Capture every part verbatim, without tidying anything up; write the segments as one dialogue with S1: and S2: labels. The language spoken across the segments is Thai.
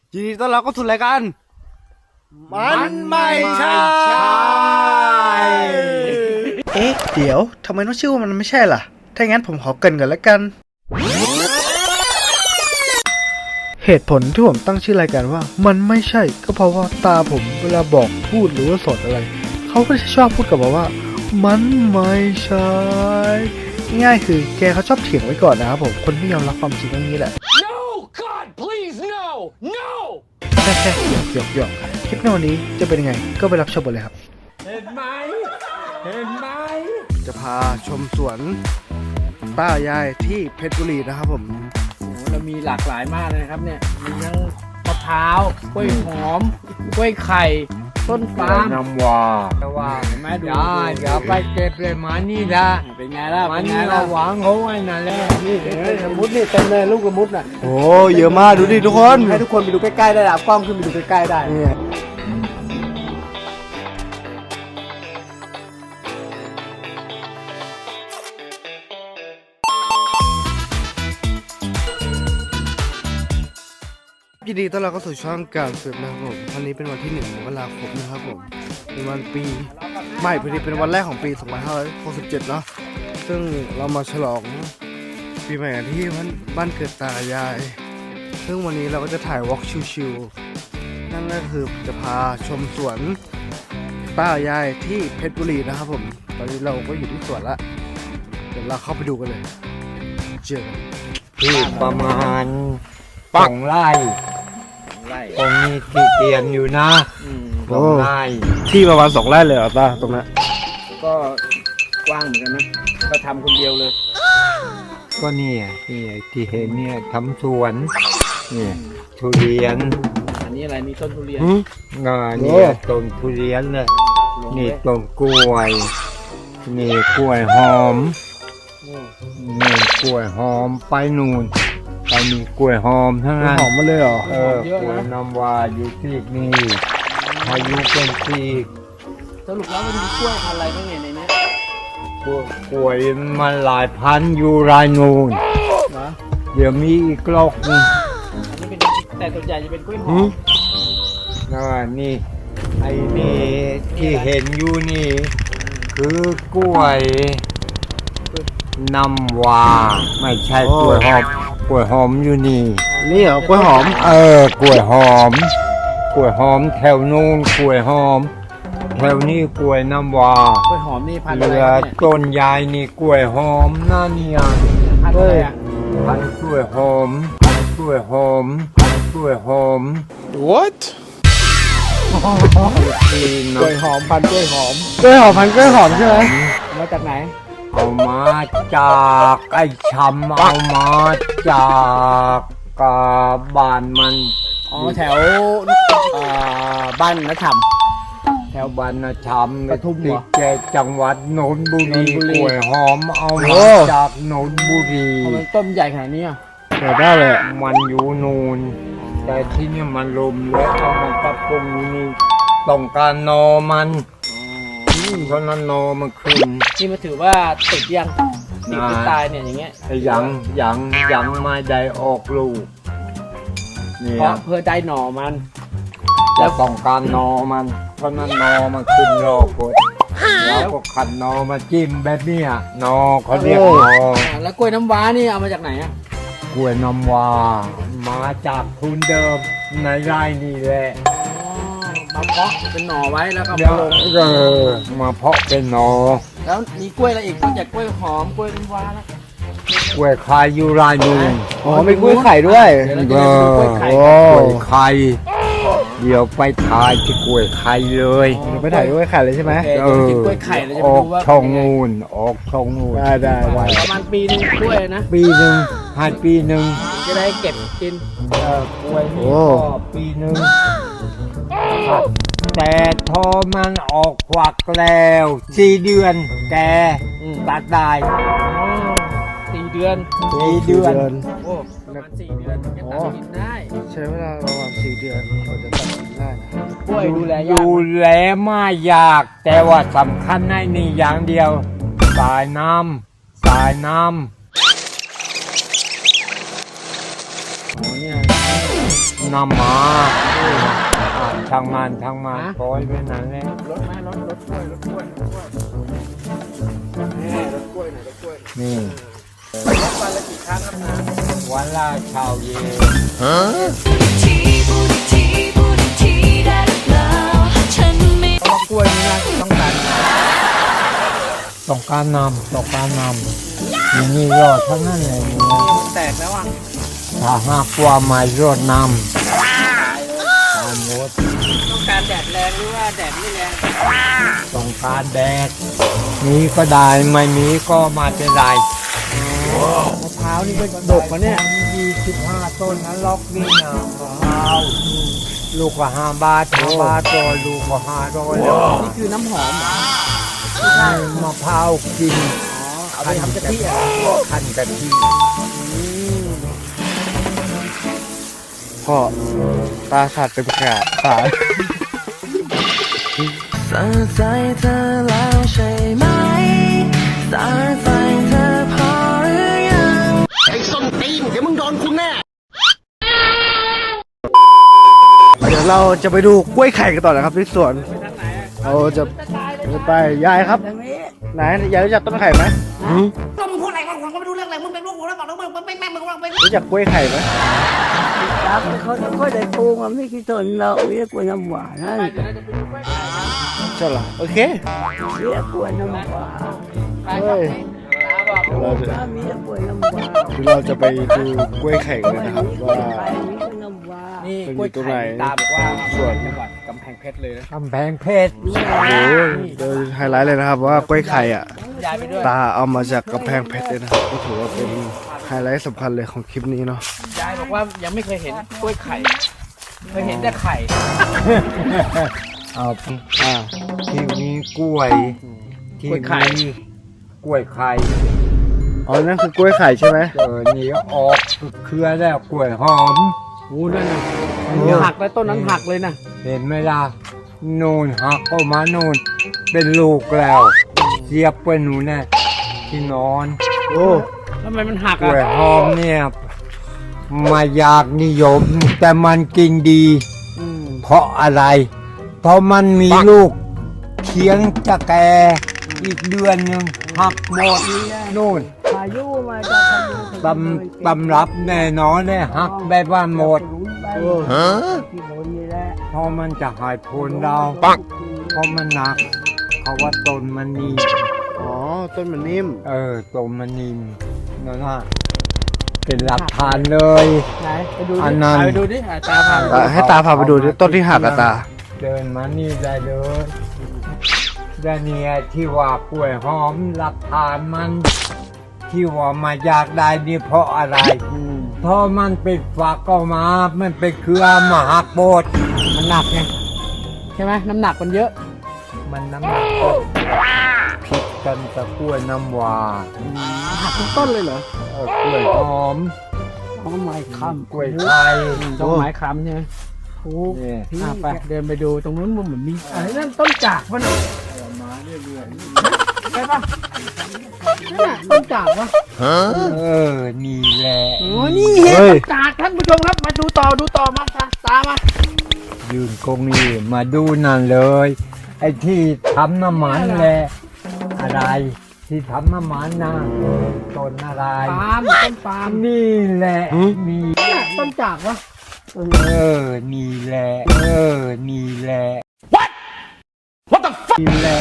S1: ยินดีต้อนรับเข้าสู่รายการมันไม่ใช่เอ๊ะเดี๋ยวทำไมต้องชื่อว่ามันไม่ใช่ล่ะถ้างั้นผมขอเกริ่นก่อนแล้วกันเหตุผลที่ผมตั้งชื่อรายการว่ามันไม่ใช่ก็เพราะว่าตาผมเวลาบอกพูดหรือว่าสอนอะไรเขาก็จะชอบพูดกับผมว่ามันไม่ใช่ง่ายๆคือแกเขาชอบเถียงไว้ก่อนนะครับผมคนไม่ยอมรับความจริงเรื่องนี้แหละ
S2: No God please no no
S1: แค่แค่หยอกหยอกหยอกคลิปในวันนี้จะเป็นยังไงก็ไปรับชมกันเลยครับ
S2: เห็นไหมเห็นไหม
S1: จะพาชมสวนป้ายายที่เพชรบุรีนะครับผม
S2: โอ้เรามีหลากหลายมากเลยนะครับเนี่ยมีทั้งมะพร้าวกล้วยหอมกล้วยไข่ต้นปาล์ม
S3: น้ำว่าแต่ว่า
S2: เห็นไหมดู
S3: อย่าอย่าไปเก็บเลยมานี่ละ
S2: เป็นไงล่ะ
S3: มั
S2: เป็น นไง
S3: นี่
S2: ล่ะ
S3: เราหวังเขาไว้นั่นแหละนี่
S2: สมุดนี่เต็มเลยลูกสมุดน่ะ
S1: โอ้เยอะมากดูดิทุกคน
S2: ให้ทุกคนไปดูใกล้ๆได้ละกล้องขึ้นไปดูใกล้ๆได้
S1: ยินดีต้อนรับเข้าสู่ช่องการสืบนะครับผมวันนี้เป็นวันที่หนึ่งมกราคมนะครับผมเป็นวันปีไม่พอดีเป็นวันแรกของปีสองพันห้าร้อยหกสิบเจ็ดเนาะซึ่งเรามาฉลองปีใหม่กันที่บ้านบ้านเกิดตายาย ซึ่งวันนี้เราก็จะถ่ายวอล์กชิวๆนั่นก็คือจะพาชมสวนป้ายายที่เพชรบุรีนะครับผมตอนนี้เราก็อยู่ที่สวนละเดี๋ยวเราเข้าไปดูกันเลยเจอกัน
S3: ที่ประมาณสองไร่
S2: ไล่
S3: ตรงนี้ที่เตียนอยู่นะสองไร่
S1: ที่ประมาณสองไร่เลยเหรอตาตรงนั้น
S2: ก็กว้างเหมือนกันนะก็ทำคนเดียวเลย
S3: ก็เนี่ยที่ที่เห็นเนี่ยทำสวนเนี่ยทุเรียน
S2: อันนี้อะไรนี่ต้นทุเรียน
S3: งาเนี่ยต้นทุเรียนเลยนี่ต้นกล้วยนี่กล้วยหอมนี่กล้วยหอมไปนู่นไปมีกล้วยหอมทั้งนั้น
S1: หอมมาเลยเหรอ
S3: เออกล้วยน้ำว้าอยู่ที่นี่พายุเป็นที่
S2: สรุปแล้วมันมีกล้วยพันธุ์อะไรบ้างเนี่ยในนี้
S3: กล้วยกล้วยมันหลายพันอยู่รายนูน
S2: นะ
S3: เดี๋ยวมีอีกลอกหนึง
S2: อันนี้เป็นแต่ส่วนใหญ่จะเป็นกล้วยหอม
S3: นะนี่ไอ้นี่ที่เห็นอยู่นี่ คือกล้วยน้ำว้าไม่ใช่กล้วยหอมกล้วยหอมอยู่นี่
S1: นี่เหรอกล้วยหอม
S3: เออกล้วยหอมกล้วยหอมแถวนู้นกล้วยหอมแถวนี้กล้วยน้ำว้าก
S2: ล้วยหอมนี่พันธุ์
S3: เห
S2: อะไร
S3: ลือ
S2: ครับเนี่ย
S3: ต้นยายนี่กล้วยหอมนั่นเนี่ย
S2: พันธุ์อะไรอ่ะ
S3: พันกล้วยหอมกล้วยหอมกล้วยหอม
S1: what
S3: ที่
S2: กล้วยหอมพันธุ์กล้วยหอม
S1: กล้วยหอมพันกล้วยหอมใช่ไหม
S2: มาจากไหน
S3: เอามาจากไอ้ช้ำเอามาจากกาบ้านมัน
S2: อ๋อแถวเอ่อบ้านนัชฉ่ำ
S3: แถวบ้านนะช้ำ
S2: ปทุมเหรอ
S3: ติดแกจังหวัดนนทบุรี
S2: นนทบุรี
S3: กล้วยหอมเอามาจากนนทบุรี
S2: ทำไมต้นใหญ่ขนาดนี้อ่ะ
S1: เปิดได้เลยอะ
S3: มันอยู่นูนแต่ที่นี่มันลมแล้วเอามาปรับปรุงอยู่นี่ต้องการนอมันเพราะนั้นนอมันขึ้น
S2: นี่มาถือว่าติดยังติดที่ตายเนี่ยอย่างเงี้ย
S3: ไอ้ยังยังยังไม่ได้ออกลูกเนี่
S2: เพ
S3: ย
S2: ราะเพื่อได้หน่อมัน
S3: จะต้องการนอมัน เพราะนั้นนอมันขึ้นรอกดแล้วก็ขัดนอมาจิ้มแบบเนี้ยนอเขาเรียกนอ
S2: อ่าแล้วกล้วยน้ำว้านี่เอามาจากไหนอ่ะ
S3: กล้วยน้ำว้ามาจากทุนเดิมในไร่นี่แหละ
S2: อ๋อมาเพาะเป็นหน่อไว้แล้วก็
S3: เดี๋
S2: มา
S3: ยว
S2: ลง
S3: เออมาเพาะเป็นนอ
S2: แล้วมีกล้วยอะไรอีกนอกจากกล้วยหอมกล้วยน้ำว้าแล้ว
S3: กล้วยไข่อยู่รายนูน
S1: อ๋อมีกล้วยไข่ด้วย
S2: เดี๋ยวเราจะได้ดูกล้วยไข่
S1: โอ้
S3: กล้วยไข่เดี๋ยวไปถ่ายที่กล้วยไข่เลย
S1: เดี๋ยวไปถ่ายกล้วยไข่เลยใช่ไหม
S2: โอเคเดี๋ยวกินกล้วยไข่เราจะ
S3: อ
S2: ไป
S3: อก
S2: ดูว่า
S3: ช่องนูนออกช่องนูน
S1: ได้ได้ได้
S2: ประมาณปีหนึงกล้วยนะ
S3: ปีหนึ่งให้ปีหนึ่ง
S2: จะได้เก็บกิน
S3: เออกล้วยนี่ก็ปีหนึ่งแต่ทอมันออกควักแล้วสี่เดือนแกตัดได้
S2: สี่เดือน
S3: สี่เดือน
S2: โอ้ประมาณสี่เดือนจะตัดกินได้
S1: ใช้เวลาประมาณสี่เดือนกว่าจะตัดสินได้นะ
S2: กล้วยดูแลยาก
S3: ดูแลไม่ยาก แต่ว่าสำคัญในนี่อย่างเดียวสายน้ำสายน้ำ
S2: อ๋อเนี่ย
S3: อน้ำมาอ่ะช่างมันช่างมันปล่อยไปนั่นแหละ
S2: รถไหมรถรถกล้วยรถกล้วยรถกล้วยแม่รถกล้วยหน่อยรถกล้วย
S3: นี่
S2: รถวันละกี่ครั้งครับนะ
S3: วันละเช้าเย็น
S4: ทีพูดอีกทีพูดอีกทีได้หรือเปล่าฉันไม่
S2: เพราะว่ากล้วยนี่นะต้องการ
S3: ต้องการนำต้องการนำอย่างนี้รอดทั้งนั้นเลยเนี่ย
S2: มันแตกแล้วอ่ะ
S3: ถ้าหากว่าไม่รอดนำตามหมด
S2: ต้องการแดดแรงหรือว่าแดดไม่แรง
S3: ต้องการแดดมีก็ได้ไม่มีก็ไมาเป็นไร
S2: มะพร้าวนี่ก็ดกมาเนี่ย
S3: ยี่สิบห้าต้นนั้นล็อกนี่นะมะพร้าวลูกก็ห้าบาทห้าบาทต่อลูกก็ห้าร้อยแล้ว
S2: นี่คือน้ำหอมเหรอ
S3: มะพร้าวกิน
S2: อ๋อเอาไปทำกะทิอ่ะ
S3: ขั้นกะทิ
S1: พ่อตาสัตว์เป็นขาดตาย
S4: สาใจเธอแล้วใช่ไหมสาใจเธอพอหรือยัง
S1: เดี๋ยวเราจะไปดูกล้วยไข่กันต่อนะครับที่สวน
S2: ไปทางไหนอ่ะ
S1: เราจะจะไปยายครับไหนยายรู้จักต้นไข่ไหม
S5: ก็มึงพูดอะไรวะผมก็ไม่รู้เรื่องอะไรมึงเป็นลูกผมแล้วบอกแล้วมึงไม่แม่มึงว่าเป็น
S1: รู้จักกล้วยไข่ไหม
S6: ครับเขาเขาได้ปลูกมันไม่กี่ต้นเราเรียกว่าน้ำหวานนั่น
S2: ไปเดี๋ยวเราจะไปดูกล้วยไข่กัน
S1: ใช่เหรอโอเค
S6: เรียกว่าน้ำหวาน
S2: ไปครับตาบอก
S1: เดี๋ยวเราจะ
S6: ถ้ามีเรียกว่าน้ำหวาน
S1: เดี๋ยวเราจะไปดูกล้วยไข่กันนะครับว่า
S6: มีก็น้ำหวาน
S2: นี่กล้วยไข่ตาบอกว่าส่วนจังหวัดกำแพงเพชรเลยนะ
S3: กำแพงเพชร
S1: โอ้โหเดี๋ยวไฮไลท์เลยนะครับว่ากล้วยไข่อ่ะ
S2: ยายไปด้วย
S1: ตาเอามาจากกำแพงเพชรเลยนะครับก็ถือว่าเป็นไฮไลท์สำคัญเลยของคลิปนี้เนาะ
S2: ยายบอกว่ายังไม่เคยเห็นกล้วยไข่เคยเห็นแต่ไข่
S3: เอา
S1: อ่า
S3: ที่มีกล้วยที่มีกล้วยไข่
S1: อ๋อนั่นคือกล้วยไข่ใช่ไหม
S3: เออนี่ออกเครือแล้วกล้วยหอม
S2: โอ้นั่นน่ะอันนี้หักแล้วต้นนั้นหักเลยนะ
S3: เห็นไหมล่ะนูนหักก็มานูนเป็นลูกแล้วเสียบไปหนูแน่ที่นอน
S1: โอ้
S2: ทำไมมันหัก
S3: กล้วย
S2: อ่ะ
S3: หอมเนี่ยไมาอยากนิยม แต่มันกินดี เพราะอะไร เพราะมันมีลูกเคียงจะแกอีกเดือนหนึ่งหักหมดนู่น
S6: พายุมาจากพายุ
S3: ตำตำรับแน่นอนเลยหักแบบว่าหมด
S6: โอ้ฮะที่บนนี่แหละ
S3: เพราะมันจะหายผลเราปักเพราะมันหนักเขาว่าต้นมันนิ่ม
S1: อ๋อต้นมันนิ่ม
S3: เออต้นมันนิ่มนั่นน่ะเป็นหลักฐานเลย
S2: ไหนไปดูดิ
S3: อันนั้น
S2: ไปดูดิอ่ะตาพาไปดู
S1: อ่ะให้ตาพาไปดูดิต้นที่หักอะตา
S3: เดินมานี่ได้เลยแต่เนี่ยที่ว่ากล้วยหอมหลักฐานมัน ที่ว่ามาอยากได้นี่เพราะอะไร เพราะมันเป็นฝักก็มา มันเป็นเครือมหาโพธิ์
S2: มันหนักไงใช่ไหมน้ำหนักมันเยอะ
S3: มันน้ำหนักก็ผิดกันกับกล้วยน้ำว้า
S2: หักทุกต้นเลยเหรอ
S3: เออกล้วยหอม
S6: เอาไม้ค้
S3: กล้วยไข่
S2: ต้นไม้ค้ำใช่ไหมโอ้
S3: นี่
S2: อ่ะไปเดินไปดูตรงนู้นมันเหมือนมีอะไรนั่นต้นจากวะน่ะมาเรื่อยๆใช่ปะนั่นน่ะต้นจากวะ
S3: เออ นี่แหละ
S2: โอ้นี่เห็น
S1: เฮ้ย
S2: ต้นจากท่านผู้ชมครับมาดูต่อดูต่อมาตาตามมา
S3: ยืนกงนี่มาดูนั่นเลย ไอ้ที่ทำน้ำมันแหละ อะไร ที่ทำน้ำมันนะต้นอะไร
S2: ปาล์มต้นปาล์ม
S3: นี่แหละ มี
S2: เนี่ยต้นจากวะ
S3: เออ นี่แหละ เออ นี่แหละ What What the fuck นี่แหละ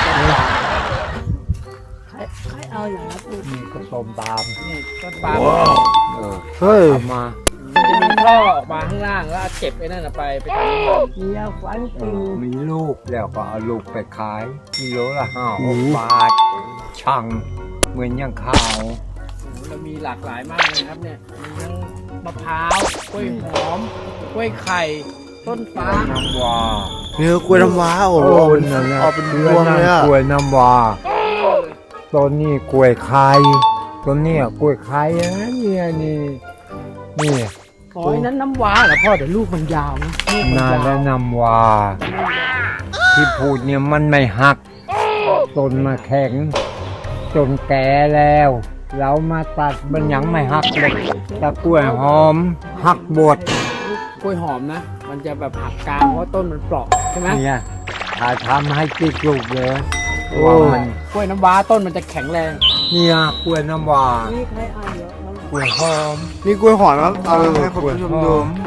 S6: ำใครใครเอาอย่างนั้นปลูก
S3: นี่ก็ต้มตาม
S2: นี่ต้นปาล์ม
S3: เออ
S1: เฮ้ย
S3: เอามา
S2: มันจะมีท่อออกมาข้างล่างแล้วเก็บไอ้นั่นน่ะไปไปทำน้ำมัน
S6: มียาฝัน
S3: เอ
S6: จริง
S3: อมีลูกแล้วก็เอาลูกไปขายกิโลละห้าหกบาทช่างเหมือนอย่างข้าว
S2: เรามีหลากหลายมากเลยครับเนี่ยมีทั้งมะพร้าวกล้วยหอมกล้วยไข่ต้นฟ้า
S3: น้ำว้า
S1: นี่คือกล้วยน้ำว้าโอ้โหเอาเป็น
S3: นั่นแหละ
S1: เอาเป็นพวงเลยอะ
S3: กล้วยน้ำว้าต้นนี้กล้วยไข่ต้นนี้กล้วยไข่นะเนี่ยนี่นี่
S2: ขอไอ้นั้นน้ำว้าเหรอพ่อเดี๋ยวลูกมันยาวนะลูกมัน
S3: นาย
S2: าว
S3: และน้ำว้าที่พูดเนี่ยมันไม่หักต้นมาแข็งจนแก่แล้ว เรามาตัดมันยังไม่หักเลยแต่กล้วยหอมหักบด
S2: กล้วยหอมนะ มันจะแบบหักกลางเพราะต้นมันเปราะใช่ไหม
S3: เนี่ยถ้าทำให้ติดลูกเลย
S1: โอ้
S3: ว่ามัน
S2: กล้วยน้ำว้าต้นมันจะแข็งแรง
S3: เนี่ยกล้วยน้ำว้า
S6: นี่ใครอ่านเยอะแล้ว
S3: กล้วยหอม
S1: นี่กล้วยหอมครับเอาให้คุณผู้ชมดู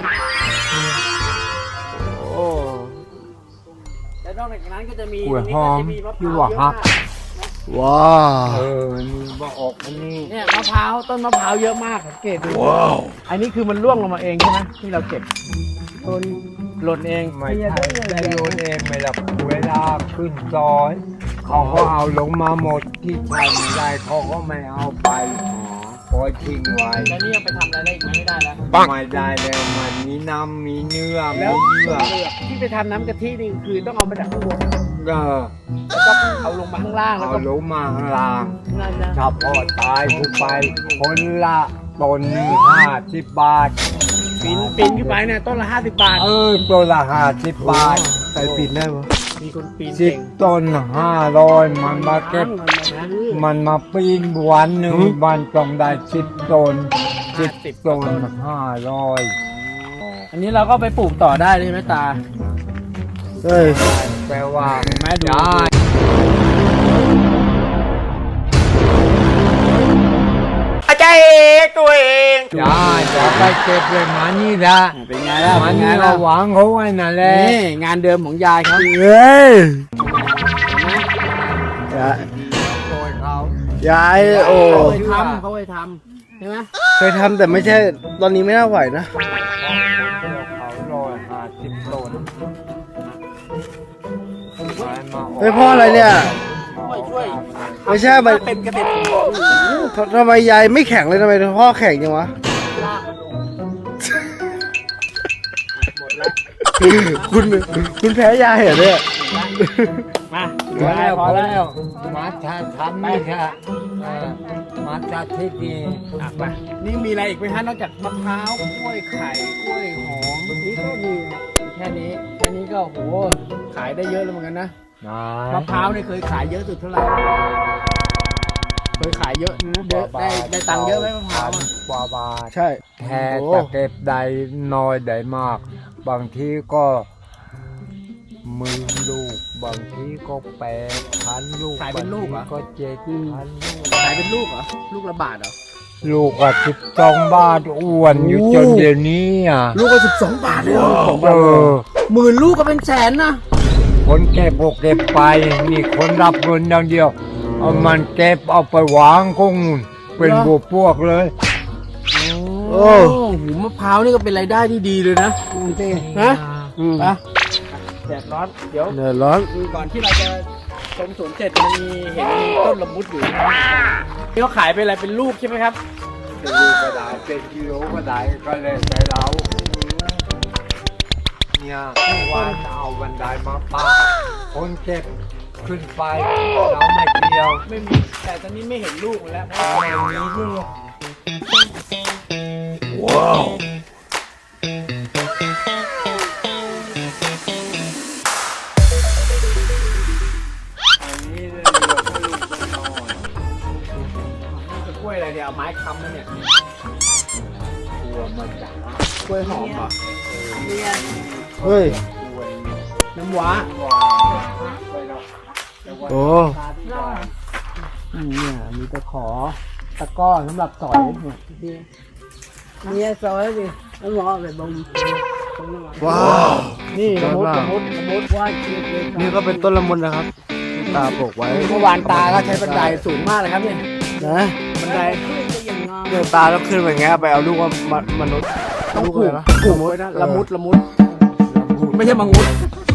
S1: โอ้
S2: แล้วนอกจากนั้นก็จะมี
S3: กล้วยหอม
S2: ตรงนี้ก็จะ
S3: ที่
S2: มีมะพ
S3: ว่า
S2: ร้าวเย
S3: หั
S2: อะ
S3: ก
S2: มาก
S1: ว้า
S3: เออนี่ว่าออกอันนี้
S2: เนี่ยมะพร้าวต้นมะพร้าวเยอะมากสังเกตดูว้าวอันนี้คือมันร่วงลงมาเองใช่ไหมที่เราเก็บ
S6: ต้น
S2: หล่นเอง
S3: ไม่ใช่ได้โยนเองไม่ละเวลาขึ้นซอย เขาก็เอาลงมาหมดที่ใช้ไม่ได้เขาก็ไม่เอาไปปล่อยทิ้งไว้
S2: แล้วนี่ยังไปทำอะไรได้อีกไหมไม่ได้แล้ว
S3: ไม่ได้แล้วมันมีน้ำมีเนื้อมี
S2: แล้ว
S3: เยื่อ
S2: ที่ไปทำน้ำกะทินี่คือต้องเอามาจากข้างบน
S3: เออ
S2: แล้วก็เอาลงมาข้างล่างแล้ว
S3: เอา
S2: ก็
S3: ลงมาข้างล่าง
S2: นั่นนะ
S3: ถ้าพอตายขึ้นไปคนละต้นหนึ่งห้าสิบบาท
S2: ปีนปีนขึ้นไปเนี่ยต้นละห้าสิบบาท
S3: เออตัวละห้าสิบบาท
S1: ใครปิดได้ปะ
S2: มีคนปีน
S3: สิบ
S2: เก่ง
S3: ต้นห้าร้อยมันมาเก็บ มันมาปีนวันหนึ่งวันต้องได้สิบต้นสิบต้นห้าร้อย
S2: อันนี้เราก็ไปปลูกต่อได้เลยไหมตา
S1: เฮ้ย
S3: แปลว่า
S2: แม่ดู
S3: ได้อาจารย์เองตัวเองได้จะไปเก็บเลยมันนี่ละ
S2: เป็นไงล่ะ
S3: มั
S2: เป็น นไง
S3: นี่
S2: ล่ะ
S3: เราหวังเขาไว้นั่นแหละ
S2: นี่งานเดิมของยายครับ
S1: เฮ้ยยาย
S3: โดยเขา
S1: ยายโอ้
S2: เขาเคยทำเขาเคยทำใช่ไหม
S1: เคยทำแต่ไม่ใช่ ตอนนี้ไม่น่าไหวนะ
S3: เขาร้อยห้าสิบต้น
S1: เฮ้ยพ่ออะไรเนี่ย
S2: ช่วยช่วย
S1: ไม่ใช่มัน
S2: เป็นเกษตรกร
S1: ทำไมยายไม่แข็งเลยทำไมพ่อแข็งจังวะ
S2: ลากมันลงหมดแล้ว
S1: คุณคุณแพ้ยายเหรอเนี่ย
S2: มา
S3: พอแล้ว
S2: พ
S3: พ
S2: อ
S3: อ
S2: แล้
S3: แล้ว วมาชาทำนี่ค่ะเออมาชาที่ดี
S2: อ่ะไปนี่มีอะไรอีกไหมฮะนอกจากมะพร้าวกล้วยไข่กล้วยหอมนี่ก็มีแค่นี้แค่นี้ก็โหขายได้เยอะแล้วเหมือนกันนะ
S3: นะ
S2: มะพร้าวเนี่ยเคยขายเยอะสุดเท่าไหร่เคยขายเยอะเยอะได้ได้ตังค์เยอะไหมมะพร้าว
S3: พัน
S2: อะ
S3: กว่าบาท
S1: ใช่
S3: แค่จะเก็บได้น้อยได้มาก บางทีก็หมือลูก บางทีก็แปดพันลูก
S2: ขายเป็นลูกเหรอ
S3: บางทีก็เจ็ดพันลูก
S2: ขายเป็นลูกเหรอลูกละบาทเหรอ
S3: ลูกก็สิบสองบาทอ้วนอยู่จนเดี๋ยวนี้อ่ะ
S2: ลูกก็สิบสองบาทเลยเหรอ
S3: เออ
S2: หมื่นลูกก็เป็นแสนนะ
S3: คนเก็บก็เก็บไป นี่คนรับเงินอย่างเดียว เอามันเก็บเอาไปวางคงเป็นบวกพวกเลย
S2: โอ้โหมะพร้าวนี่ก็เป็นรายได้ที่ดีเลยนะฮะ
S1: อืม
S2: ไปแดดร้อนเดี๋ยว
S1: เดือดร้อน
S2: ก่อนที่เราจะชมสวนเสร็จมันมีเห็นมีต้นละมุดอยู่นี่เขาขายเป็นอะไรเป็นลูกใช่ไหมครับ
S3: เป็นลูกก็ได้เป็นกิโลก็ได้ก็เลยแต่เราเนี่ยวันเอาบันไดมาปาคนเก็บขึ้นไปเราไม่เกี่ยว
S2: ไม่มีแต่ตอนนี้ไม่เห็นลูกมันแล้วเพราะว่า
S3: ไม่มีลูก อันนี้เรียกว่าลูกต้นนอน
S2: กล้วยอะไรเนี่ยเอาไม้ค้ำแล้วเนี่ย
S3: กลัวมันจะ
S2: กล้วยหอมเหรอ
S1: เฮ้ย
S3: กลัว
S2: น้ำว้า
S3: ว่าไปแล้วแต่ว่า
S1: โอ้
S2: อืมเนี่ยมีตะขอตะกร้อสำหรับสอยเนี่ยที่
S6: เนี่ยซอยดิแล้วหมอไปบ่ม
S1: ว้าว
S2: นี่ละมุดละมุดละมุด
S6: ว่าชีวิตเลย
S1: นี่ก็เป็นต้นละมุนนะครับ ตาปลูกไว้
S2: เมื่อวานตาก็ใช้บันไดสูงมากเลยครับเนี่ย
S1: นะ
S2: บันได
S6: ขึ้นก็ยังงาม
S1: เดี๋ยวตาต้องขึ้นไปอย่างเงี้ยไปเอาลูกว่ามามนุษย์
S2: ต้อง
S1: ลูก
S2: ผู
S1: เล
S2: ก
S1: ยนะ
S2: ผูกไว้นะละมุดละมุดไม่ใช่มังมุด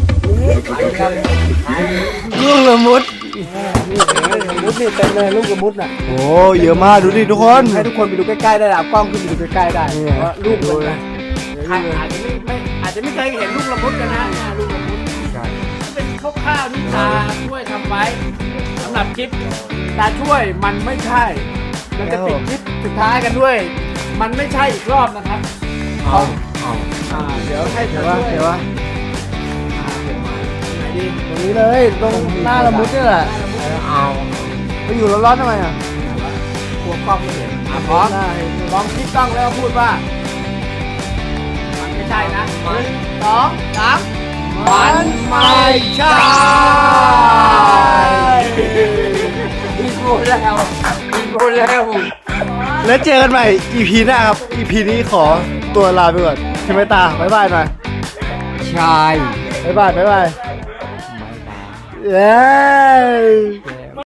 S1: ลูกละมุด
S2: นี่ละมุดนี่เต็มเลยลูกละมุดน่ะ
S1: โอ้เยอะมากดูดิทุกคน
S2: ให้ทุกคนไปดูใกล้ๆได้เอากล้องขึ้นไปดูใกล้ๆได้
S1: นี่
S2: ว่าลูก
S1: ดู
S2: เลย
S1: เลย
S2: นะใครอาจจะไม่ไม่อาจจะไม่เคยเห็นลูกละมุดกันนะเนี่ยลูกละมุด
S3: ใช่
S2: เป็นคร่าวๆที่ตาช่วยทำไว้สำหรับคลิปตาช่วยมันไม่ใช่เราจะปิดคลิปสุดท้ายกันด้วย มันไม่ใช่อีกรอบนะครับ
S3: เอาเอา
S2: อ่าเดี๋ยวให้
S1: เดี๋
S2: ตา
S1: ยว
S2: ช่วย
S1: วะเดี๋ยววะ
S2: อ่าเดี๋ยวมาไหนดี
S1: ตรงนี้เลยตรงหน้าละมุดนี่แหละ
S3: เอา
S1: ไปอยู่ร้อนๆทำไมอ่ะ
S2: กลัวกล้องไม่เห็นอ่ะพร้อม
S1: ได้
S2: พร้อมคลิปกล้องแล้วพูดว่ามันไม่ใช่นะหนึ่งสองสามมันไม่
S1: ใช่
S2: พี่พูดแล้วพี่พูดแล้ว
S1: แล้วเจอกันใหม่ อี พี หน้าครับ อี พี นี้ขอตัวลาไปก่อนใช่ไหมตาบ๊ายบายหน่อย
S3: ชาย
S1: บ๊ายบายบ๊ายบาย
S3: ไม่ตาย
S1: เย้